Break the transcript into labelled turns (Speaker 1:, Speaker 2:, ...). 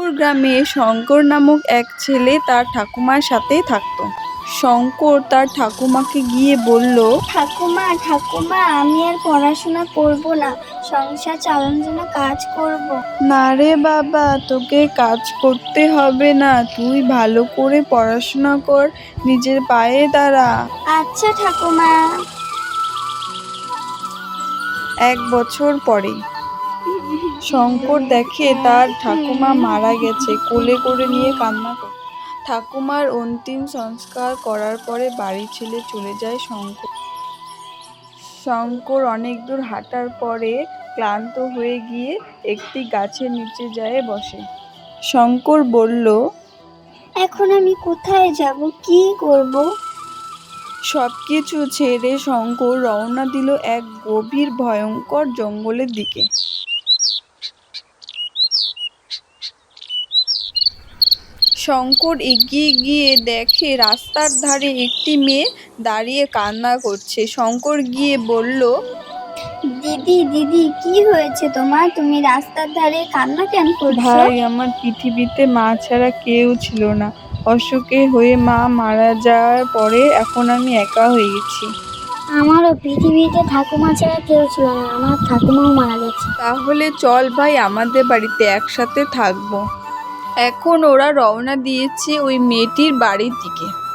Speaker 1: গ্রামে শঙ্কর নামক এক ছেলে তার ঠাকুমার সাথেই থাকতো। শঙ্কর তার ঠাকুমাকে গিয়ে বলল,
Speaker 2: ঠাকুমা ঠাকুমা, আমি আর পড়াশোনা করব না, সংসার চালানোর জন্য কাজ করব।
Speaker 1: না রে বাবা, তোকে কাজ করতে হবে না, তুই ভালো করে পড়াশোনা কর, নিজের পায়ে দাঁড়া।
Speaker 2: আচ্ছা ঠাকুমা।
Speaker 1: 1 বছর পরে শঙ্কর দেখে তার ঠাকুমা মারা গেছে, কোলে করে নিয়ে কান্না করে। ঠাকুমার অন্তিম সংস্কার করার পরে বাড়ি ছেড়ে চলে যায় শঙ্কর। শঙ্কর অনেক দূর হাঁটার পরে ক্লান্ত হয়ে গিয়ে একটি গাছের নিচে যেয়ে বসে। শঙ্কর বলল,
Speaker 2: এখন আমি কোথায় যাব, কি করব?
Speaker 1: সবকিছু ছেড়ে শঙ্কর রওনা দিল এক গভীর ভয়ঙ্কর জঙ্গলের দিকে। শঙ্কর এগিয়ে গিয়ে দেখে রাস্তার ধারে একটি মেয়ে দাঁড়িয়ে কান্না করছে। শঙ্কর গিয়ে বলল,
Speaker 2: দিদি দিদি, কি হয়েছে তোমার? তুমি রাস্তার ধারে কান্না কেন করছো?
Speaker 1: ভাই, আমার পৃথিবীতে মা ছাড়া কেউ ছিল না। অসুখে হয়ে মা মারা যাওয়ার পরে এখন আমি একা হয়ে গেছি।
Speaker 2: আমারও পৃথিবীতে ঠাকুমা ছাড়া কেউ ছিল না, আমার ঠাকুমাও মারা গেছে।
Speaker 1: তাহলে চল ভাই, আমাদের বাড়িতে একসাথে থাকবো। এখন ওরা রওনা দিয়েছে ওই মেয়েটির বাড়ির দিকে।